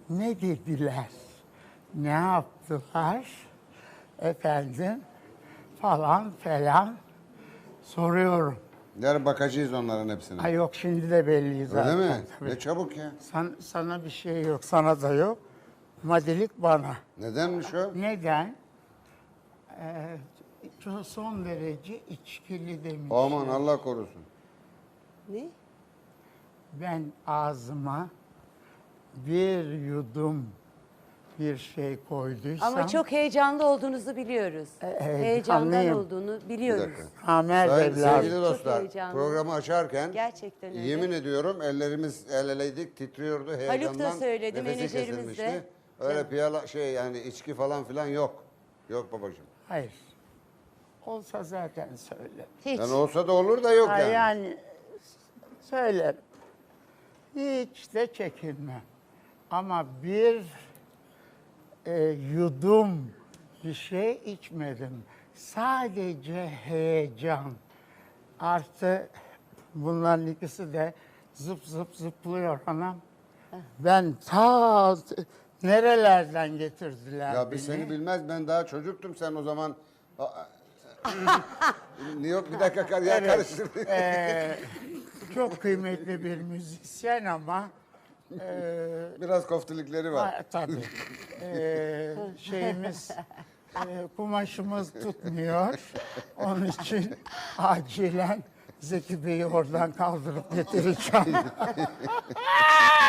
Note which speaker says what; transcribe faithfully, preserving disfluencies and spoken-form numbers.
Speaker 1: Ne dediler? Ne yaptılar? Efendim falan falan soruyorum.
Speaker 2: Yarın bakacağız onların hepsine.
Speaker 1: Ay yok şimdi de belli zaten.
Speaker 2: Öyle mi?
Speaker 1: Tabii.
Speaker 2: Ne çabuk ya.
Speaker 1: San- sana bir şey yok, sana da yok. Madilik bana.
Speaker 2: Nedenmiş o?
Speaker 1: Neden? Ee, çok son derece içkili demiş.
Speaker 2: Aman Allah korusun.
Speaker 3: Ne?
Speaker 1: Ben ağzıma bir yudum bir şey koyduysam...
Speaker 3: Ama çok heyecanlı olduğunuzu biliyoruz.
Speaker 1: E,
Speaker 3: Heyecandan
Speaker 1: heyecanlıyım.
Speaker 3: olduğunu
Speaker 2: Bir
Speaker 3: biliyoruz.
Speaker 2: dakika.
Speaker 1: Amer
Speaker 2: Sayın,
Speaker 1: evladım.
Speaker 2: sevgili dostlar,
Speaker 3: heyecanlı.
Speaker 2: programı açarken
Speaker 3: Gerçekten öyle.
Speaker 2: yemin ediyorum ellerimiz el eleydik, titriyordu heyecandan.
Speaker 3: söyledi,
Speaker 2: nefesi
Speaker 3: menajerimiz de.
Speaker 2: kesilmişti. Öyle
Speaker 3: Canım.
Speaker 2: piyala şey yani içki falan filan yok. Yok babacığım.
Speaker 1: Hayır. Olsa zaten söylerim.
Speaker 3: Hiç.
Speaker 2: Yani olsa da olur da yok
Speaker 1: Ha,
Speaker 2: yani.
Speaker 1: yani söylerim. Hiç de çekinmem. Ama bir e, yudum bir şey içmedim. Sadece heyecan. Artı bunların ikisi de zıp zıp zıplıyor anam. Ben ta nerelerden getirdiler
Speaker 2: Ya biz
Speaker 1: beni.
Speaker 2: seni bilmez, ben daha çocuktum sen o zaman. Aa, Yok bir dakika kar ya
Speaker 1: Evet.
Speaker 2: karıştırdık.
Speaker 1: Ee, çok kıymetli bir müzisyen ama e,
Speaker 2: Biraz koftilikleri var.
Speaker 1: ha, tabii e, şeyimiz e, kumaşımız tutmuyor. Onun için acilen Zeki Bey'i oradan kaldırıp getireceğim.